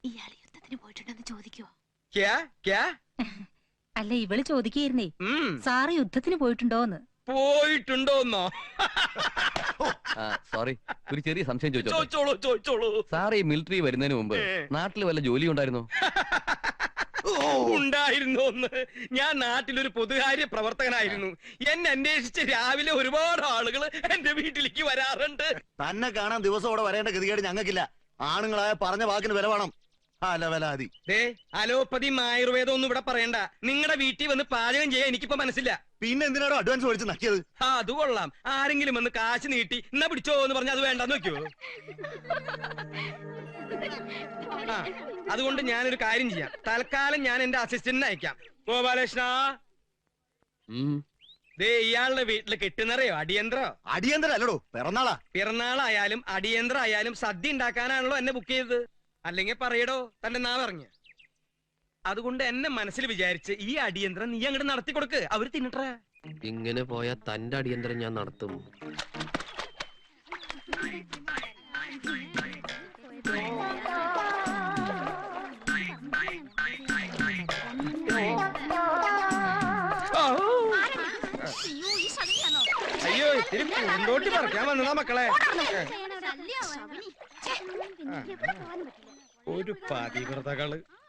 ഇയാൾ യുദ്ധത്തിന് പോയിട്ടുണ്ടെന്ന് ചോദിക്കുവോ? അല്ല, ഇവള് ചോദിക്കായിരുന്നേ, സാറ് യുദ്ധത്തിന് പോയിട്ടുണ്ടോന്ന്. പോയിട്ടുണ്ടോന്നോ? സോറി, ഒരു ചെറിയ സംശയം ചോദിച്ചോളൂ. സാർ ഈ മിലിറ്ററി വരുന്നതിന് മുമ്പ് നാട്ടിൽ വല്ല ജോലി ഉണ്ടായിരുന്നോ? ഉണ്ടായിരുന്നോന്ന്? ഞാൻ നാട്ടിലൊരു പൊതുകാര്യ പ്രവർത്തകനായിരുന്നു. എന്നെ അന്വേഷിച്ച് രാവിലെ ഒരുപാട് ആളുകൾ എന്റെ വീട്ടിലേക്ക് വരാറുണ്ട്. തന്നെ കാണാൻ ദിവസം അവിടെ വരേണ്ട ഗതികേട് ഞങ്ങൾക്കില്ല. ആണുങ്ങളായ പറഞ്ഞ വാക്കിന് വില വേണം. അലോപ്പതിയും ആയുർവേദം ഒന്നും ഇവിടെ പറയണ്ട. നിങ്ങളുടെ വീട്ടിൽ വന്ന് പാചകം ചെയ്യാൻ എനിക്കിപ്പോ മനസ്സില്ല. പിന്നെ എന്തിനാണോ അഡ്വാൻസ് മേടിച്ച് നക്കിയത്? അത് കൊള്ളാം. ആരെങ്കിലും വന്ന് കാശ് നീട്ടി എന്നാ പിടിച്ചോ എന്ന് പറഞ്ഞാൽ അത് വേണ്ടെന്ന് വെക്കോ? അതുകൊണ്ട് ഞാനൊരു കാര്യം ചെയ്യാം. തൽക്കാലം ഞാൻ എന്റെ അസിസ്റ്റന്റിനെ അയക്കാം. ഗോപാലകൃഷ്ണ, ഇയാളുടെ വീട്ടില് കെട്ടുന്നറിയോ? അടിയന്തരം അല്ലടോ, പിറന്നാളായാലും അടിയന്തരം ആയാലും സദ്യ ഉണ്ടാക്കാനാണല്ലോ എന്നെ ബുക്ക് ചെയ്തത്. അല്ലെങ്കിൽ പറയടോ തന്റെ നാവറിഞ്ഞ്. അതുകൊണ്ട് എന്നെ മനസ്സിൽ വിചാരിച്ച് ഈ അടിയന്തരം നീ അങ്ങോട്ട് നടത്തി കൊടുക്ക്. അവര് തിന്നിട്ടേ. ഇങ്ങനെ പോയാ തന്റെ അടിയന്തരം ഞാൻ നടത്തും. അയ്യോ, ഇത്തിരി പൂന്തോട്ടി പറിക്കാൻ വന്നതാ മക്കളെ. ഒരു പതിവ്രതകള്.